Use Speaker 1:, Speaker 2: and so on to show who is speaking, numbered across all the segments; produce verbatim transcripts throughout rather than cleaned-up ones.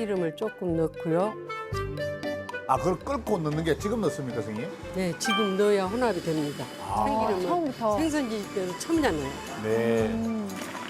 Speaker 1: 참기름을 조금 넣고요.
Speaker 2: 아, 그걸 끓고 넣는 게 지금 넣습니까, 선생님?
Speaker 1: 네, 지금 넣어야 혼합이 됩니다.
Speaker 2: 아,
Speaker 1: 참기름은
Speaker 3: 처음부터.
Speaker 1: 생선 지을 때도 처음이나 넣어요.
Speaker 2: 네.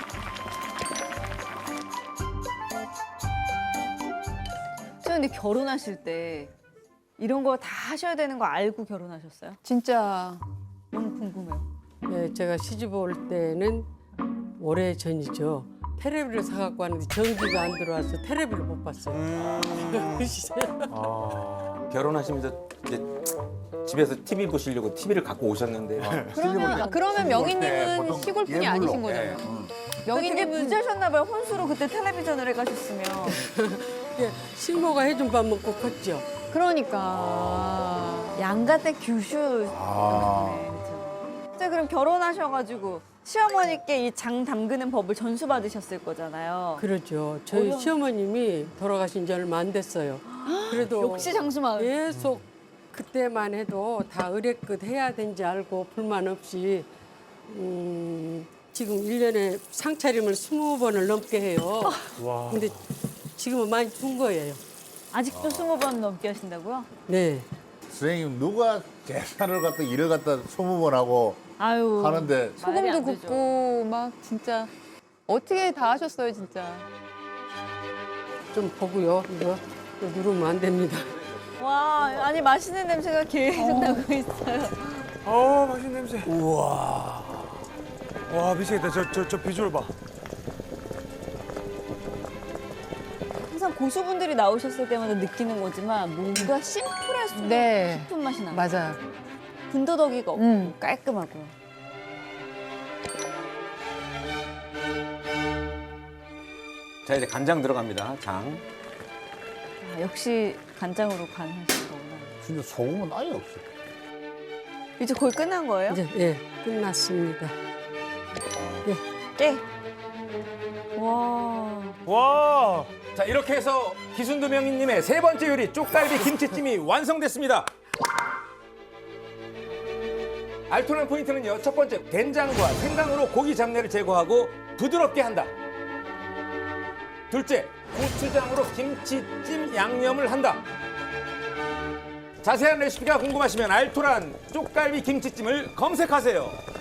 Speaker 4: 저 근데 결혼하실 때 이런 거 다 하셔야 되는 거 알고 결혼하셨어요?
Speaker 3: 진짜.
Speaker 4: 너무 궁금해요.
Speaker 1: 네, 제가 시집 올 때는 오래 전이죠. 테레비를 사갖고 왔는데 전기가 안 들어와서 테레비를 못 봤어요. 그 시절.
Speaker 5: 결혼하시면서 이제 집에서 티비 보시려고 티비를 갖고 오셨는데
Speaker 3: 그러면, 아, 그러면 명희님은
Speaker 2: 보통
Speaker 3: 시골분이
Speaker 2: 예물로.
Speaker 3: 아니신 거잖아요.
Speaker 2: 예, 음.
Speaker 4: 되게
Speaker 3: 명희님은
Speaker 4: 부자셨나 봐요. 혼수로 그때 텔레비전을 해가셨으면.
Speaker 1: 예, 신모가 해준 밥 먹고 컸죠.
Speaker 3: 그러니까.
Speaker 4: 양가 때 규슈.
Speaker 2: 아.
Speaker 4: 네, 그렇죠. 자, 그럼 결혼하셔가지고 시어머니께 이 장 담그는 법을 전수 받으셨을 거잖아요.
Speaker 1: 그러죠. 저희
Speaker 4: 어려운-
Speaker 1: 시어머님이 돌아가신 지 얼마 안 됐어요. 그래도
Speaker 4: 역시 장수마을.
Speaker 1: 계속 그때만 해도 다 의뢰끝 해야 되는지 알고 불만 없이 음, 지금 일 년에 상차림을 스무 번을 넘게 해요. 근데 지금은 많이 준 거예요.
Speaker 4: 아직도 스무 번 넘게 하신다고요?
Speaker 1: 네.
Speaker 2: 선생님, 누가 계산을 갖다 일을 갖다 스무 번 하고
Speaker 4: 아유.
Speaker 2: 하는데
Speaker 4: 말이
Speaker 3: 소금도
Speaker 4: 안 되죠.
Speaker 3: 굽고 막 진짜 어떻게 다 하셨어요, 진짜.
Speaker 1: 좀 보고요. 이거 이거 누르면 안 됩니다.
Speaker 4: 와, 아니 맛있는 냄새가 계속 나고 있어요.
Speaker 6: 어 맛있는 냄새. 우와. 와 미치겠다. 저 저 저 비주얼 봐.
Speaker 4: 항상 고수분들이 나오셨을 때마다 느끼는 거지만 뭔가 심플해서
Speaker 3: 네.
Speaker 4: 깊은 맛이 나요.
Speaker 3: 맞아요.
Speaker 4: 군더더기가 없고
Speaker 3: 음.
Speaker 4: 깔끔하고요.
Speaker 5: 자 이제 간장 들어갑니다. 장.
Speaker 4: 아, 역시 간장으로 간하신 거구나.
Speaker 2: 진짜 소금은 아예 없어.
Speaker 4: 이제 거의 끝난 거예요?
Speaker 1: 이제 예, 끝났습니다.
Speaker 4: 깨. 와.
Speaker 6: 와.
Speaker 5: 자 이렇게 해서 기순두 명희님의 세 번째 요리 쪽갈비 김치찜이 완성됐습니다. 알토란 포인트는요. 첫 번째 된장과 생강으로 고기 잡내를 제거하고 부드럽게 한다. 둘째 고추장으로 김치찜 양념을 한다. 자세한 레시피가 궁금하시면 알토란 쪽갈비 김치찜을 검색하세요.